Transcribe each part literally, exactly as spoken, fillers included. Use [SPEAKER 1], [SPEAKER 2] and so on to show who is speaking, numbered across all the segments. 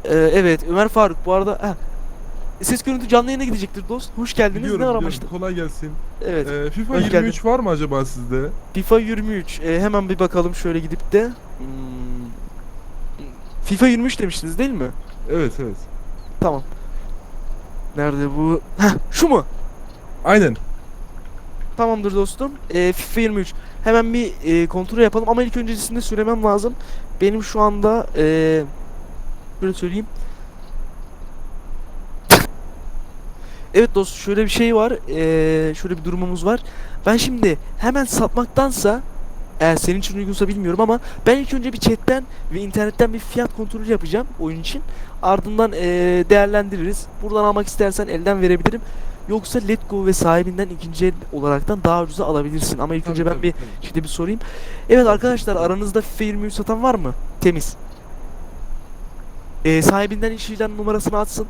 [SPEAKER 1] Ee, evet Ömer Faruk bu arada heh, ses görüntü canlı yayına gidecektir dost. Hoş geldiniz.
[SPEAKER 2] Biliyorum
[SPEAKER 1] Ne
[SPEAKER 2] biliyorum.
[SPEAKER 1] aramıştın?
[SPEAKER 2] Kolay gelsin.
[SPEAKER 1] Evet.
[SPEAKER 2] Ee, FIFA
[SPEAKER 1] Hoş
[SPEAKER 2] yirmi
[SPEAKER 1] geldin.
[SPEAKER 2] üç var mı acaba sizde?
[SPEAKER 1] FIFA yirmi üç. Ee, hemen bir bakalım şöyle gidip de. Hmm, FIFA yirmi üç demiştiniz değil mi?
[SPEAKER 2] Evet evet.
[SPEAKER 1] Tamam. Nerede bu? Heh, şu mu?
[SPEAKER 2] Aynen.
[SPEAKER 1] Tamamdır dostum. Ee, FIFA yirmi üç. Hemen bir e, kontrol yapalım ama ilk öncesinde söylemem lazım. Benim şu anda e, böyle söyleyeyim. Evet dost şöyle bir şey var. Ee, şöyle bir durumumuz var. Ben şimdi hemen satmaktansa eğer senin için uygunsa bilmiyorum ama ben ilk önce bir chatten ve internetten bir fiyat kontrolü yapacağım oyun için. Ardından ee, değerlendiririz. Buradan almak istersen elden verebilirim. Yoksa Letgo ve sahibinden ikinci el olaraktan daha ucuza alabilirsin. Ama ilk
[SPEAKER 2] Tabii,
[SPEAKER 1] önce ben
[SPEAKER 2] tabii,
[SPEAKER 1] bir
[SPEAKER 2] tabii.
[SPEAKER 1] şimdi bir sorayım. Evet arkadaşlar aranızda FIFA yirmi üç satan var mı? Temiz. Ee, sahibinden işlem numarasını atsın.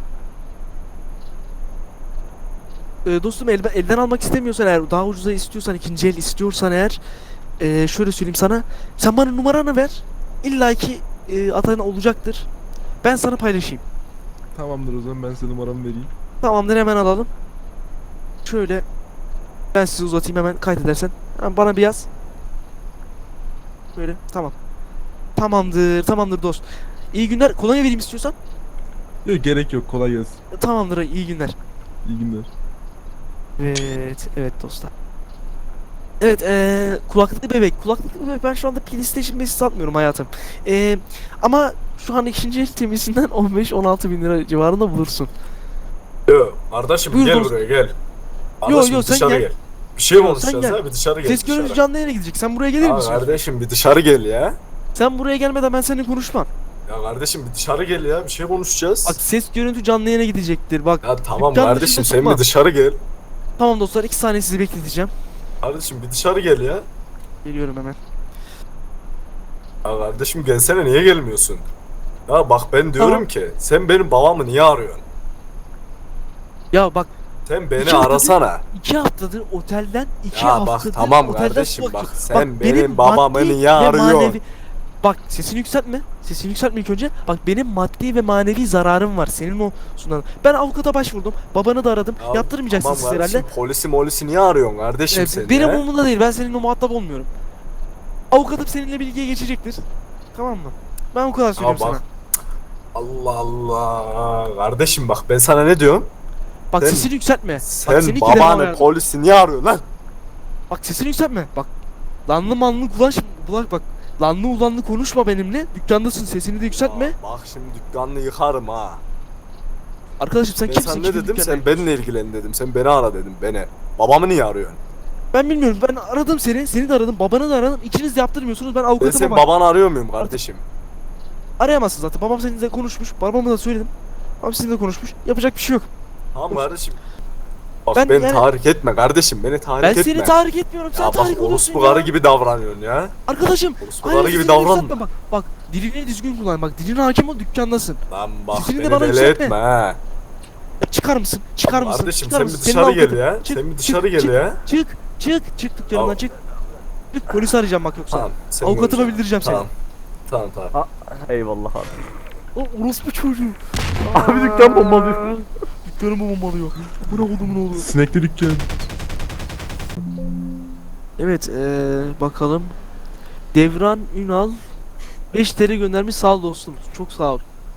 [SPEAKER 1] Ee, dostum el, elden almak istemiyorsan eğer daha ucuza istiyorsan ikinci el istiyorsan eğer ee, şöyle söyleyeyim sana sen bana numaranı ver illa ki e, atan olacaktır ben sana paylaşayım.
[SPEAKER 2] Tamamdır o zaman ben size numaramı vereyim.
[SPEAKER 1] Tamamdır hemen alalım şöyle ben sizi uzatayım hemen kaydedersen hemen bana bir yaz böyle tamam tamamdır tamamdır dost iyi günler kolonya vereyim istiyorsan.
[SPEAKER 2] Yok gerek yok, kolay gelsin.
[SPEAKER 1] Tamamdır iyi günler.
[SPEAKER 2] İyi günler.
[SPEAKER 1] Evet evet dostlar. Evet, eee kulaklıklı bebek. Kulaklıklı bebek ben şu anda PlayStation beşi satmıyorum hayatım. Eee ama şu an ikinci el temisinden on beş on altı bin lira civarında bulursun.
[SPEAKER 3] Yo kardeşim
[SPEAKER 1] Buyur
[SPEAKER 3] gel
[SPEAKER 1] dost.
[SPEAKER 3] buraya gel.
[SPEAKER 1] Yo,
[SPEAKER 3] Kardeşim
[SPEAKER 1] yo,
[SPEAKER 3] bir
[SPEAKER 1] sen
[SPEAKER 3] dışarı
[SPEAKER 1] gel.
[SPEAKER 3] gel. Bir şey
[SPEAKER 1] Yo,
[SPEAKER 3] konuşacağız
[SPEAKER 1] sen gel.
[SPEAKER 3] ha, bir dışarı gel.
[SPEAKER 1] Ses
[SPEAKER 3] dışarı.
[SPEAKER 1] görüntü canlı yayına gidecek. Sen buraya gelir
[SPEAKER 3] Ya
[SPEAKER 1] misin?
[SPEAKER 3] kardeşim bir dışarı gel ya.
[SPEAKER 1] Sen buraya gelmeden ben seninle konuşmam.
[SPEAKER 3] Ya kardeşim bir dışarı gel ya, bir şey konuşacağız.
[SPEAKER 1] Bak ses görüntü canlı yayına gidecektir. Bak.
[SPEAKER 3] Ya tamam
[SPEAKER 1] dükkan
[SPEAKER 3] kardeşim
[SPEAKER 1] dışında
[SPEAKER 3] sen
[SPEAKER 1] tutma.
[SPEAKER 3] bir dışarı gel.
[SPEAKER 1] Tamam dostlar iki saniye sizi bekleteceğim.
[SPEAKER 3] Kardeşim bir dışarı gel ya.
[SPEAKER 1] Geliyorum hemen.
[SPEAKER 3] Ya kardeşim gelsene, niye gelmiyorsun? Ya bak ben diyorum
[SPEAKER 1] Tamam.
[SPEAKER 3] ki sen benim babamı niye arıyorsun?
[SPEAKER 1] Ya bak
[SPEAKER 3] Sen beni
[SPEAKER 1] İki haftadır-
[SPEAKER 3] arasana.
[SPEAKER 1] iki haftadır otelden iki
[SPEAKER 3] Ya
[SPEAKER 1] haftadır
[SPEAKER 3] bak tamam
[SPEAKER 1] otelden
[SPEAKER 3] kardeşim
[SPEAKER 1] su
[SPEAKER 3] bak
[SPEAKER 1] akıyor.
[SPEAKER 3] sen benim babamı
[SPEAKER 1] maddi
[SPEAKER 3] niye
[SPEAKER 1] ve
[SPEAKER 3] arıyorsun?
[SPEAKER 1] manevi- Bak sesini yükseltme. Sesini yükseltme ilk önce. Bak benim maddi ve manevi zararım var. Senin o sunan. Ben avukata başvurdum. Babanı da aradım.
[SPEAKER 3] Ya
[SPEAKER 1] Yaptırmayacaksın
[SPEAKER 3] tamam
[SPEAKER 1] siz herhalde.
[SPEAKER 3] kardeşim, polisi molisi niye arıyorsun kardeşim
[SPEAKER 1] Ee,
[SPEAKER 3] sen
[SPEAKER 1] benim
[SPEAKER 3] ya?
[SPEAKER 1] umurumda değil. Ben seninle muhatap olmuyorum. Avukatım seninle bilgiye geçecektir. Tamam mı? Ben o kadar söylüyorum
[SPEAKER 3] bak.
[SPEAKER 1] sana.
[SPEAKER 3] Allah Allah. Kardeşim bak ben sana ne diyorum?
[SPEAKER 1] Bak
[SPEAKER 3] sen-
[SPEAKER 1] sesini yükseltme.
[SPEAKER 3] Sen
[SPEAKER 1] bak seni iki defa
[SPEAKER 3] babanı
[SPEAKER 1] uyardım.
[SPEAKER 3] polisi niye arıyorsun lan?
[SPEAKER 1] Bak sesini yükseltme. Bak lanlı manlı kulaş bulak bak. Lanlı ulanlı konuşma benimle. Dükkandasın sesini de yükseltme.
[SPEAKER 3] Aa, bak şimdi dükkanını yıkarım ha.
[SPEAKER 1] Arkadaşım sen
[SPEAKER 3] Ben
[SPEAKER 1] kimsin?
[SPEAKER 3] sana ne
[SPEAKER 1] Kimin
[SPEAKER 3] dedim?
[SPEAKER 1] dükkanına
[SPEAKER 3] Sen benimle ilgilen dedim. Sen beni ara dedim. Beni. Babamı niye arıyorsun?
[SPEAKER 1] Ben bilmiyorum. Ben aradım seni. Seni de aradım. Babanı da aradım. İkiniz de yaptırmıyorsunuz. Ben
[SPEAKER 3] Ben
[SPEAKER 1] avukatıma
[SPEAKER 3] senin
[SPEAKER 1] bak.
[SPEAKER 3] babanı arıyor muyum kardeşim?
[SPEAKER 1] Arayamazsın zaten. Babam seninle konuşmuş. Babama da söyledim. Babam sizinle konuşmuş. Yapacak bir şey yok.
[SPEAKER 3] Tamam kardeşim. Bak
[SPEAKER 1] Ben
[SPEAKER 3] beni
[SPEAKER 1] yani-
[SPEAKER 3] tahrik etme kardeşim. Beni tahrik
[SPEAKER 1] Ben
[SPEAKER 3] etme.
[SPEAKER 1] seni tahrik etmiyorum. Sen
[SPEAKER 3] Ya
[SPEAKER 1] tahrik
[SPEAKER 3] bak
[SPEAKER 1] oluyorsun
[SPEAKER 3] orospu
[SPEAKER 1] ya.
[SPEAKER 3] karı gibi davranıyorsun ya.
[SPEAKER 1] Arkadaşım.
[SPEAKER 3] Orospu
[SPEAKER 1] aynen
[SPEAKER 3] karı gibi
[SPEAKER 1] sesini
[SPEAKER 3] davranma.
[SPEAKER 1] yükseltme Bak, bak dilini düzgün kullan. Bak diline hakim ol dükkandasın.
[SPEAKER 3] Lan bak
[SPEAKER 1] Sesini de
[SPEAKER 3] beni
[SPEAKER 1] bana
[SPEAKER 3] deli
[SPEAKER 1] yükseltme.
[SPEAKER 3] etme ha.
[SPEAKER 1] Ya çıkar mısın? Çıkar mısın?
[SPEAKER 3] Kardeşim
[SPEAKER 1] Çıkar
[SPEAKER 3] sen
[SPEAKER 1] mısın?
[SPEAKER 3] bir
[SPEAKER 1] Senin
[SPEAKER 3] dışarı gel
[SPEAKER 1] avukatın.
[SPEAKER 3] ya.
[SPEAKER 1] Çık,
[SPEAKER 3] Sen bir
[SPEAKER 1] çık,
[SPEAKER 3] dışarı gel
[SPEAKER 1] çık,
[SPEAKER 3] ya.
[SPEAKER 1] Çık. Çık. Çık dükkanından
[SPEAKER 3] Al.
[SPEAKER 1] çık. Çık. Polisi arayacağım bak yoksa.
[SPEAKER 3] Tamam. sen
[SPEAKER 1] Avukatıma
[SPEAKER 3] göreceksin.
[SPEAKER 1] bildireceğim seni.
[SPEAKER 3] Tamam. Tamam tamam.
[SPEAKER 4] Eyvallah abi.
[SPEAKER 1] O orospu çocuğu.
[SPEAKER 4] Abi dükkan bombalıyor.
[SPEAKER 1] Dükkanımı bombalıyor. Bu ne oldu bu ne oldu?
[SPEAKER 2] Sinekli dükkan.
[SPEAKER 1] Evet ee, bakalım. Devran Ünal beş T L göndermiş sağ ol dostum. Çok sağ ol.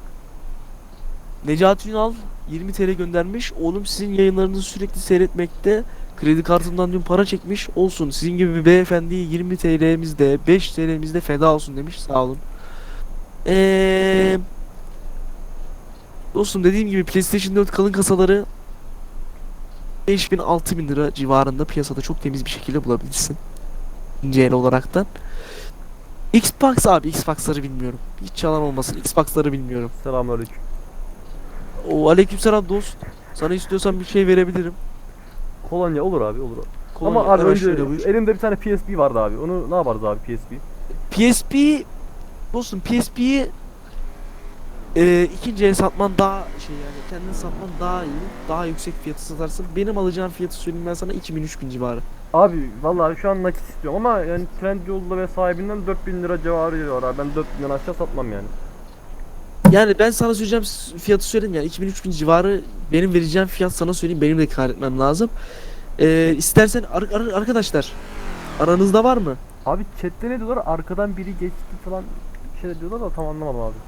[SPEAKER 1] Necati Ünal yirmi T L göndermiş. Oğlum sizin yayınlarınızı sürekli seyretmekte. Kredi kartımdan dün para çekmiş. Olsun. Sizin gibi bir beyefendiye yirmi T L'mizde beş T L'mizde feda olsun demiş. Sağ olun. Eee Dostum dediğim gibi PlayStation dört kalın kasaları beş bin altı bin lira civarında piyasada çok temiz bir şekilde bulabilirsin. İkinci el olaraktan. Xbox abi Xbox'ları bilmiyorum. Hiç yalan olmasın Xbox'ları bilmiyorum.
[SPEAKER 4] Selamünaleyküm.
[SPEAKER 1] O aleykümselam dost. Sana istiyorsan bir şey verebilirim.
[SPEAKER 4] Kolonya olur abi olur.
[SPEAKER 1] Kolonya,
[SPEAKER 4] Ama abi
[SPEAKER 1] hemen
[SPEAKER 4] önce
[SPEAKER 1] şöyle buyur.
[SPEAKER 4] elimde bir tane P S P vardı abi. Onu ne yaparız abi P S P?
[SPEAKER 1] P S P dostum P S P'yi e, ikinci el satman daha şey yani kendin satman daha iyi. Daha yüksek fiyatı satarsın. Benim alacağım fiyatı söyleyeyim ben sana iki bin üç bin civarı.
[SPEAKER 4] Abi vallahi şu an nakit istiyorum ama yani Trendyol'da ve sahibinden dört bin lira civarı diyor abi. Ben dört binden aşağı satmam yani.
[SPEAKER 1] Yani ben sana söyleyeceğim fiyatı söyleyeyim yani iki bin üç bin civarı benim vereceğim fiyat sana söyleyeyim benim de kar etmem lazım. Ee, istersen ar- ar- arkadaşlar aranızda var mı?
[SPEAKER 4] Abi chatte ne diyorlar? Arkadan biri geçti falan bir şeyler diyorlar da tam anlamadım abi.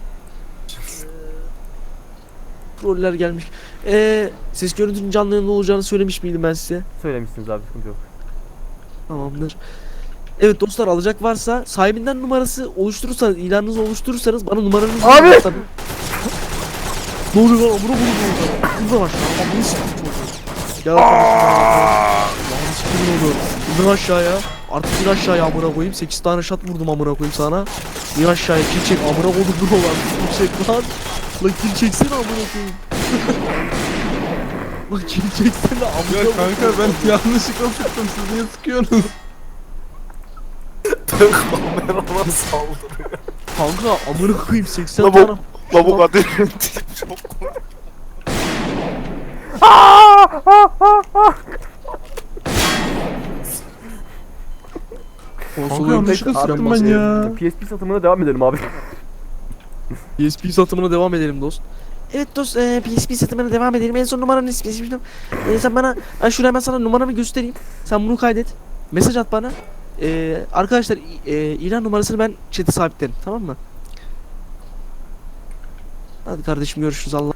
[SPEAKER 1] Roller gelmiş. Ee, ses görüntünün canlı yayında olacağını söylemiş miydim ben size?
[SPEAKER 4] Söylemişsiniz abi, sıkıntı yok.
[SPEAKER 1] Tamamdır. Evet dostlar alacak varsa sahibinden numarası oluşturursanız ilanınızı oluşturursanız bana numaranızı
[SPEAKER 4] Abi!
[SPEAKER 1] verin tabii. Ne oluyor lan amına koyayım orada. Hızla bak. Amına sikeyim çocuğu. Gel arkadaşlar. Lan sikeyim oldu. İn aşağıya. Artık in aşağıya amına koyayım. sekiz tane shot vurdum amına koyayım sana. İn aşağıya kill çek amına koydum dur olan. Kill çek lan. Lan kill çeksene amına koyayım. Lan kill çeksene amına
[SPEAKER 2] Ya
[SPEAKER 1] koyayım.
[SPEAKER 2] kanka ben yanlışlıkla sıktım. Siz niye sıkıyorsunuz?
[SPEAKER 3] Ben kamerama saldırıyor.
[SPEAKER 1] Kanka amına koyayım seksen
[SPEAKER 3] La bu-
[SPEAKER 1] tane.
[SPEAKER 3] La bu kadar çok komik.
[SPEAKER 2] Kanka yanlışlıkla sıktım ben ya.
[SPEAKER 4] P S P satımına devam edelim abi.
[SPEAKER 1] P S P satımına devam edelim dost. Evet dost, e, P S P satımına devam edelim. En son numaranı istemiştim. E, sen bana, ben şuraya hemen sana numaramı göstereyim. Sen bunu kaydet. Mesaj at bana. E, arkadaşlar, e, ilan numarasını ben chat'e sabitlerim. Tamam mı? Hadi kardeşim görüşürüz Allah.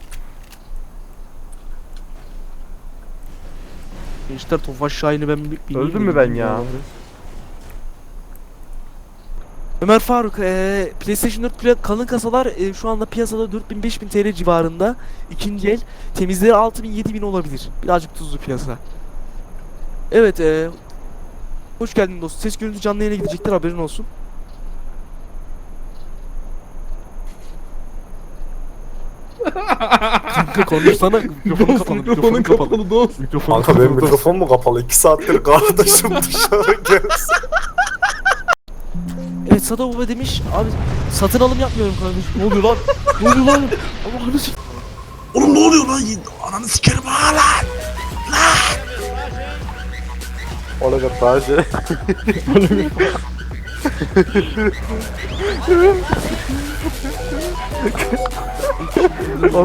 [SPEAKER 1] Gençler Tofaş Şahin'i ben bir bileyim
[SPEAKER 4] Öldüm
[SPEAKER 1] de
[SPEAKER 4] mü ben
[SPEAKER 1] gideyim
[SPEAKER 4] ya?
[SPEAKER 1] Ömer Faruk, eee PlayStation dört pla- kalın kasalar eee, şu anda piyasada dört bin beş bin T L civarında. İkinci el temizleri altı bin yedi bin olabilir. Birazcık tuzlu piyasa. Evet, eee hoş geldin dostum. Ses görüntü canlı yayına gidecektir, haberin olsun. Kanka konuşsana, mikrofonu kapalı,
[SPEAKER 2] Mikrofonun kapalı dost.
[SPEAKER 1] Mikrofonu
[SPEAKER 3] Kanka benim
[SPEAKER 1] kapalı.
[SPEAKER 3] mikrofon mu kapalı? iki saattir kardeşim dışarı gelsin.
[SPEAKER 1] Evet Sado Baba demiş, abi satın alım yapmıyorum kardeşim. Ne oluyor lan? Ne oluyor lan? Allah'ını s***.
[SPEAKER 5] Oğlum ne oluyor lan? Ananı sikerim ha lan.
[SPEAKER 3] Olacak daha şey.